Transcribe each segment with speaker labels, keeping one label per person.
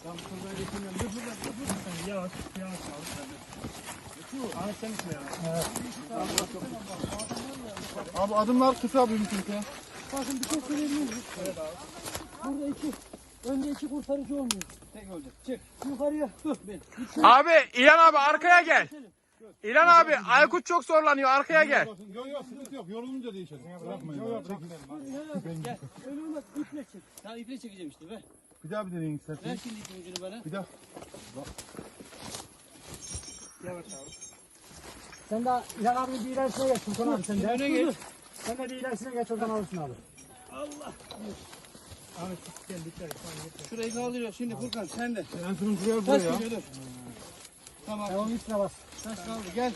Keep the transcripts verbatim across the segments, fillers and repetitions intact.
Speaker 1: Tamam şurada geçemiyorum. Dur dur dur dur. Sen yavaş yavaş al. Ahmet sen misin ya? Evet.
Speaker 2: Abi adımlar kısa bir çünkü.
Speaker 3: Bakın bir şey söyleyebilir miyim?
Speaker 1: Evet abi.
Speaker 3: Burada iki, önde iki kurtarıcı olmuyor.
Speaker 1: Tek olacak. Çık.
Speaker 3: Yukarıya. Dur.
Speaker 4: Abi İlhan abi arkaya gel. İlhan abi Aykut çok zorlanıyor, arkaya gel.
Speaker 2: Yok yok sıkıntı yok. Yorulunca değişelim. Bırakmayın. Yok yok
Speaker 3: Gel. Öyle olmaz. İple çek.
Speaker 1: Daha iple çekeceğim işte be.
Speaker 2: Bir daha bir deneyin isterseniz.
Speaker 1: Ver şimdi ipin ucunu bana.
Speaker 2: Bir daha.
Speaker 1: Yavaş abi.
Speaker 3: Sen de İlhan abi bir ilerisine geç Sultan abi sen de.
Speaker 1: Öne geç.
Speaker 3: Sen de bir ilerisine geç oradan alırsın abi.
Speaker 1: Allah. Ahmet gel dikkat et. Şurayı kaldırıyor. Şimdi Furkan sen de.
Speaker 2: En sonun şuraya
Speaker 1: Taş
Speaker 2: buraya.
Speaker 1: geliyor dur. Tamam.
Speaker 3: Tamam üstüne bas.
Speaker 1: Taş kaldı gel.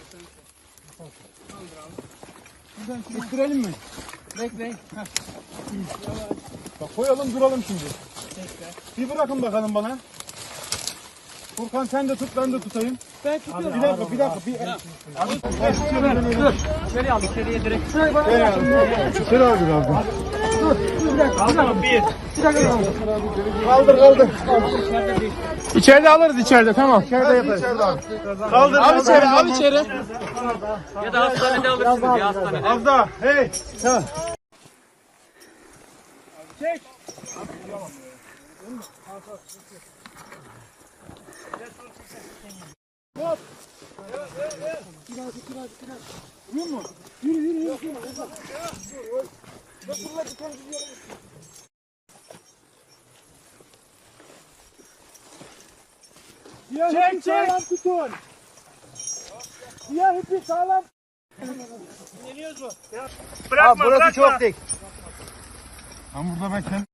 Speaker 1: Buradan şunu
Speaker 2: İttirelim mi?
Speaker 1: bekleyin. Heh.
Speaker 2: Bak koyalım duralım şimdi.
Speaker 1: Bekle.
Speaker 2: Bir bırakın bakalım bana. Furkan sen de tut ben de tutayım.
Speaker 3: Ben tutuyorum.
Speaker 2: Bir dakika bir dakika. Bir...
Speaker 3: Dur. İçeri al içeriye direkt. Şurayı bana
Speaker 2: Ver abi. Şöyle abi abi.
Speaker 3: dur. Dur bir dakika. Bir dakika.
Speaker 1: Bir.
Speaker 3: Bir dakika.
Speaker 2: Kaldır kaldır.
Speaker 4: İçeride alırız içeride, tamam.
Speaker 2: İçeride yaparız.
Speaker 4: Kaldır, al içeri, al içeri.
Speaker 1: Ya da hastanede alırsınız ya hastanede.
Speaker 2: Az daha. Hey. Tamam.
Speaker 1: Çek.
Speaker 3: Siyah ipi sağlam tutun. Siyah ipi sağlam.
Speaker 1: İneriyoruz mu?
Speaker 4: Bırakma, burası bırakma. Çok dik.
Speaker 2: Ben burada ben kendim